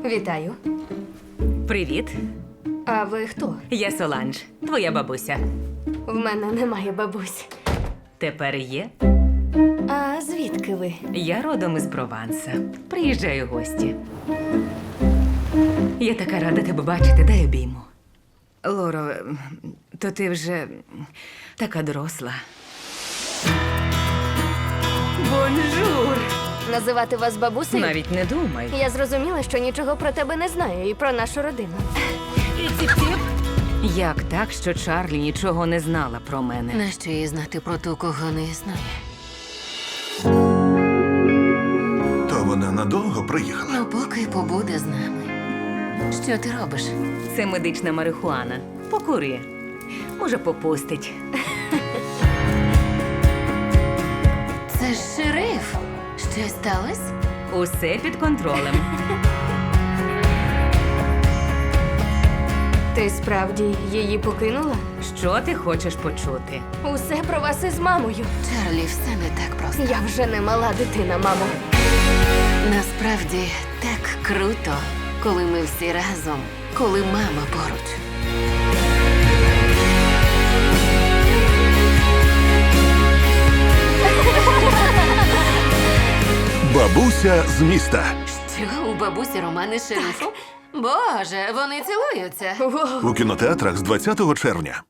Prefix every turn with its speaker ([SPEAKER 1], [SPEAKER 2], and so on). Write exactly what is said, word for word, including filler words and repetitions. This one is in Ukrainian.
[SPEAKER 1] Вітаю.
[SPEAKER 2] Привіт,
[SPEAKER 1] А ви хто?
[SPEAKER 2] я Соланж, твоя бабуся.
[SPEAKER 1] В мене немає бабусь.
[SPEAKER 2] Тепер є.
[SPEAKER 1] А звідки ви?
[SPEAKER 2] Я родом із Прованса. Приїжджаю в гості. Я така рада тебе бачити, дай обійму. Лоро, то ти вже така доросла. Бонжур!
[SPEAKER 1] Називати вас бабусею?
[SPEAKER 2] Навіть не думай.
[SPEAKER 1] Я зрозуміла, що нічого про тебе не знаю і про нашу родину.
[SPEAKER 2] Як так, що Чарлі нічого не знала про мене?
[SPEAKER 3] Нащо їй знати про ту, кого не існує?
[SPEAKER 4] То вона надовго приїхала.
[SPEAKER 3] Ну, поки побуде з нами. Що ти робиш?
[SPEAKER 2] Це медична марихуана. Покури. Може, попустить.
[SPEAKER 3] Це ж шериф. Щось сталося?
[SPEAKER 2] Усе під контролем.
[SPEAKER 1] Ти справді її покинула?
[SPEAKER 2] Що ти хочеш почути?
[SPEAKER 1] Усе про вас із мамою.
[SPEAKER 3] Чарлі, все не так просто.
[SPEAKER 1] Я вже не мала дитина, мамо.
[SPEAKER 3] Насправді так круто, коли ми всі разом, коли мама поруч.
[SPEAKER 4] Бабуся з міста.
[SPEAKER 3] Що, у бабусі романи з шерифом? Боже, вони цілуються.
[SPEAKER 1] Воу.
[SPEAKER 4] У кінотеатрах з двадцятого червня.